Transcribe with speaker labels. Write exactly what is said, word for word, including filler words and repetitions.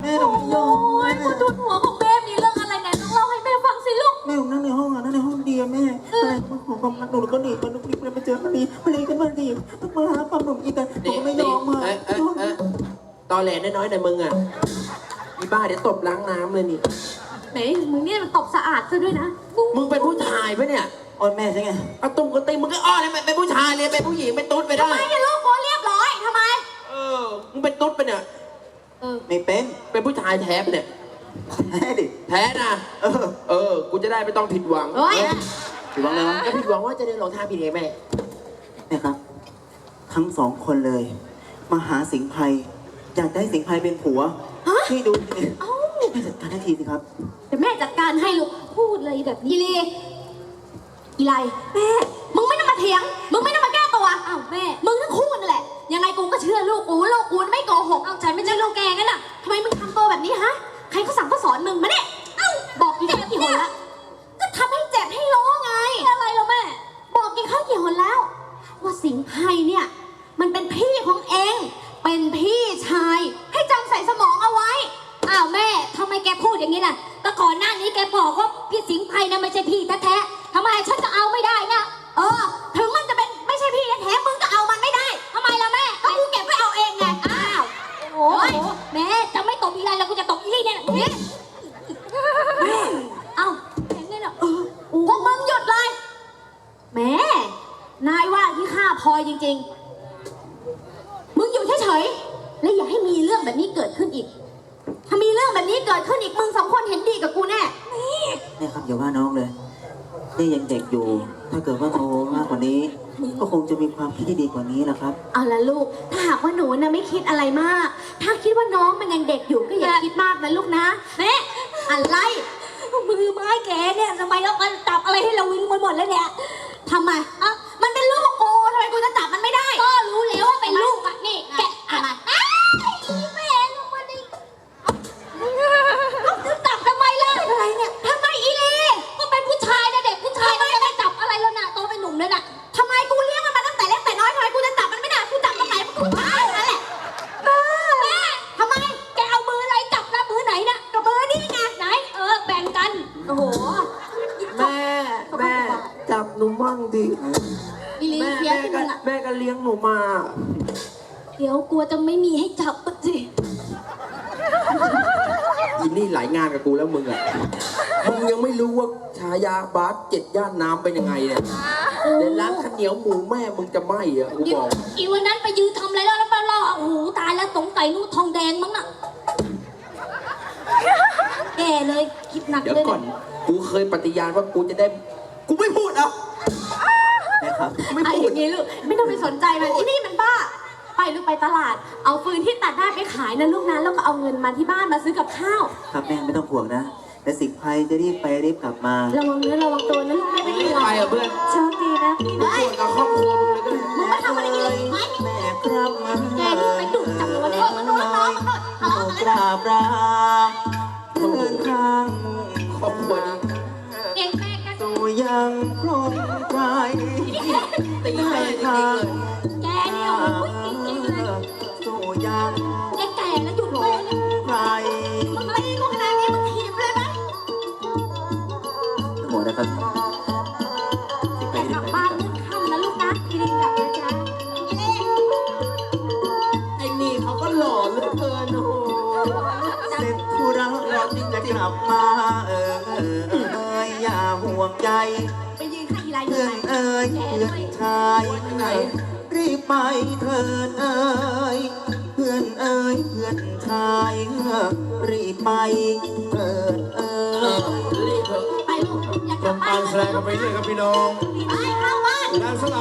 Speaker 1: แม่หนูไม่ยอม
Speaker 2: โอ้ยกูจุดหัวของแม่มีเรื่องอะไรไหนต้องเล่าให้แม่ฟังสิลูก
Speaker 1: แม่ผมนั่งในห้องอ่ะนั่งในห้องเดียวแม่อะไรของความรักหนูแล้วก็หนีมันรีบเลยมาเจอมันดีมันดีกันมาดีมาหาความหนุ่มอีกแต่หนูก็ไม่ยอมมา
Speaker 3: เอ๊ะเอ๊ะเอ๊ะตอแหลน้อยๆแต่มึงอ่ะอีบ้าเดี๋ยวตบล้างน้ำเลยนี่
Speaker 2: ไหนมึงเนี่ยมันตบสะอาดซะด้วยนะ
Speaker 3: มึงเป็นผู้ชายปะเนี่ย
Speaker 1: อ่อนแม่ใช่ไง
Speaker 3: เอาตุ้มกระติงมึงก็อ้อนเลยเป็นผู้ชายเลยเป็นผู้หญิงเป็นตุ๊ดไปได้
Speaker 2: ทำไมเนี่ยลูกโคเรียบร้อยทำไม
Speaker 3: เออมึงเป็นตุ๊ดไปเนี่ย
Speaker 2: เออ
Speaker 1: ไม่เป็น
Speaker 3: เป็นผู้ชายแท้ปะเนี่ย
Speaker 1: แม่ดิ
Speaker 3: แท้นะ
Speaker 1: เออ
Speaker 3: เออกูจะได้ไม่ต้องผิดหวัง
Speaker 2: เฮ้ย
Speaker 1: ถือว่าไงวะ
Speaker 3: ก็ผิดหวังว่าจะได้รองเท้าผิดไงแม่
Speaker 1: เนี่ยครับ ทั้งสองคนเลย มาหาสิงห์ไพรอยากได้สิงห์ไพรเป็นผัวช่วยดูสิ
Speaker 2: เอ้า
Speaker 1: ให้จัดการให้ทีสิครับ
Speaker 2: เดี๋ยวแม่จัดการให้ลูกพูดเลยแบบนี้เลยอีไลแม่มึงไม่ต้องมาเถียงมึงไม่ต้องมาแก้ตัวอ้าวแม่มึงทั้งคู่นั่นแหละยังไงกูก็เชื่อลูกกูลูกกูไม่โกหกเอาฉันไม่ใช่ลูกแกงั้นน่ะทำไมมึงทำตัวแบบนี้ฮะใครเขาสั่งเขาสอนมึงมาเนี่ยเอ้าบอกกี่ครั้งกี่หนละก็ทำให้เจ็บให้ร้องไงอะไรล่ะแม่บอกกี่ครั้งกี่หนแล้ว ว่าสิงห์ไพรเนี่ย มันเป็นพี่ของเองเป็นพี่ชายให้จำใส่สมองเอาไว้อ้าวแม่ทำไมแกพูดอย่างนี้ล่ะก็ก่อนหน้านี้แกบอกว่าพี่สิงห์ไพรนะไม่ใช่พี่แท้ๆทำไมฉันจะเอาไม่ได้นะเออถึงมันจะเป็นไม่ใช่พี่แท้ๆมึงก็เอามันไม่ได้ทำไมล่ะแม่ก็กูเก็บไว้เอาเองไงอ้าวโอ้ยแม่จะไม่ตบอีไรแล้วกูจะตบอีนี่เนี่ยนี่แม่เอ้าเห็นไหมเนาะเออพวกมึงหยุดเลยแม่นายว่าที่ข้าพลอยจริงๆมึงอยู่เฉยๆและอย่าให้มีเรื่องแบบนี้เกิดขึ้นอีกถ้ามีเรื่องแบบนี้เกิดขึ้นอีกมึงสองคนเห็นดีกับกูแน่นี่
Speaker 1: เนี่ยครับอย่าว่าน้องเลยนี่ยังเด็กอยู่ ถ้าเกิดว่าโตมากกว่านี้ ก็คงจะมีความคิดที่ดีกว่านี้นะครับ
Speaker 2: เอาละลูกถ้าหากว่าหนูนะไม่คิดอะไรมาก ถ้าคิดว่าน้องมันยังเด็กอยู่ก็อย่าคิดมากนะลูกนะแม่อะไรมือไม้แกเนี่ยทำไมแล้วมันจับอะไรให้เราวิ่งไปหมดแล้วเนี่ยทำไมอ่ะมันเป็นลูกกูทำไมกูจะจับมันไม่ได้ก็รู้แล้วว่าเป็นลูกอ่ะนี่แกะอะไรแม่ลูกมันดิลูกจะจับทำไมล่ะอะไรเนี่ยทำไมอีเล่ก็เป็นผู้ชายนะเด็กผู้ชายมันจะไม่จับอะไรแล้วนะโตเป็นหนุ่มเลยนะทำไมกูเลี้ยงมันมาตั้งแต่เล็กแต่น้อยทำไมกูจะจับมันไม่ได้กูจับตรงไหนมันกูบ้านั่นแหละแม่ทำไมแกเอามืออะไรจับนะมือไหนนะกับมือนี่ไงไหนเออแบ่งกันโอ้โห
Speaker 3: แม่แม่จับหนูมั่งดิ
Speaker 2: อีลี
Speaker 3: แม่
Speaker 2: เคีย
Speaker 3: แม่
Speaker 2: ที่
Speaker 3: ก็
Speaker 2: มึงอ่ะ
Speaker 3: แม่ก็เลี้ยงหนูมา
Speaker 2: เดี๋ยวกลัวจะไม่มีให้จับปะสิ
Speaker 3: อินนี่หลายงานกับกูแล้วมึงอ่ะมึงยังไม่รู้ว่าฉายาบาสเจ็ดย่านน้ำเป็นยังไงเนี่ยเดี๋ยวร้านข้าวเหนียวหมูแม่มึงจะไหม้อ่ะกูบอก
Speaker 2: อีวันนั้นไปยืนทำอะไรแล้วแล้วมาล่อโอ้โหตายแล้วสงสัยนู่นทองแดงมั้งน่ะแย่เลยคิดหนัก
Speaker 3: เดี๋ยว
Speaker 2: เลย
Speaker 3: ก่อนกูเคยปฏิญาณว่ากูจะได้กูไม่พูดอ่ะ
Speaker 1: นะครับ
Speaker 3: ไม่
Speaker 2: ไอ้
Speaker 3: พู
Speaker 2: อ
Speaker 3: ด
Speaker 2: ย่างนี้ลูกไม่ต้องไปสนใจมันอีนี่มันบ้า ไปลูกไปตลาด เอาฟืนที่ตัดได้ไปขายนะลูกนะแล้วก็เอาเงินมาที่บ้านมาซื้อกับข้าว
Speaker 1: ครับแม่ไม่ต้องห่วงนะแต่สิงห์ไพรจะรีบไปรีบกลับมา
Speaker 2: ระวังเนื้อระวังตัวนะลูกไม่เป็น
Speaker 3: ไม่
Speaker 2: ห่วง
Speaker 3: ไปอ่ะเพื่อน
Speaker 2: โชคดีนะ
Speaker 3: มึงปวดกับครอบครัวมึงเลยก็ได้
Speaker 2: มึงมาทำอะไรกินเลยไหม
Speaker 1: แม่ครับมา
Speaker 2: แกนี่ไปดุจับตัวเนี่ยมันโดนน้องมันโดนทะเลาะกัน
Speaker 1: กราบลาเดินทาง
Speaker 3: ครอบครัวนี้
Speaker 2: เองแม่แก
Speaker 1: สู่ยังพร้อมใจ
Speaker 3: ตีแม่จริงๆเลย
Speaker 2: แกเนี่ยโอ้ยจริงๆเลย
Speaker 1: สู่ยัง
Speaker 2: แกแก่แล้วหยุดเลยเนี่ย
Speaker 1: ใคร
Speaker 2: มึงตีกูขนาดนี้มึงถีบเลยไหม
Speaker 1: หมดนะครับสิงห์ไพร
Speaker 2: แต่
Speaker 1: รี
Speaker 2: ก
Speaker 1: บ
Speaker 2: ลับ
Speaker 1: ไป
Speaker 2: บ้านเมื่อค่ำนะลูกนะทีนี้กลับนะจ๊ะ
Speaker 3: ไอ้นี่เขาก็หล่อเหลือเกินโอ้โห
Speaker 1: เสร็จธุระแล้วจะกลับมาเออเออเอออย่าห่วงใจ
Speaker 2: ไปยืนข้างอีไลอยู่
Speaker 1: เพื่อ
Speaker 2: ไหน
Speaker 1: นเอ่ยเพื่อนชายรีบไปเถิดเอ่ยเพื่อนเอ่ยเพื่อนชายรีบไปเถิดเอ่
Speaker 3: เออย รีบเถอะ
Speaker 2: ไปลูกอยากกลับ
Speaker 4: ทำ
Speaker 2: บ้า
Speaker 4: การ
Speaker 2: น
Speaker 4: แสดงกันไปเรื่อยครับพี่น้อง
Speaker 2: ไปเข้าบ้าน
Speaker 4: และสำหรับ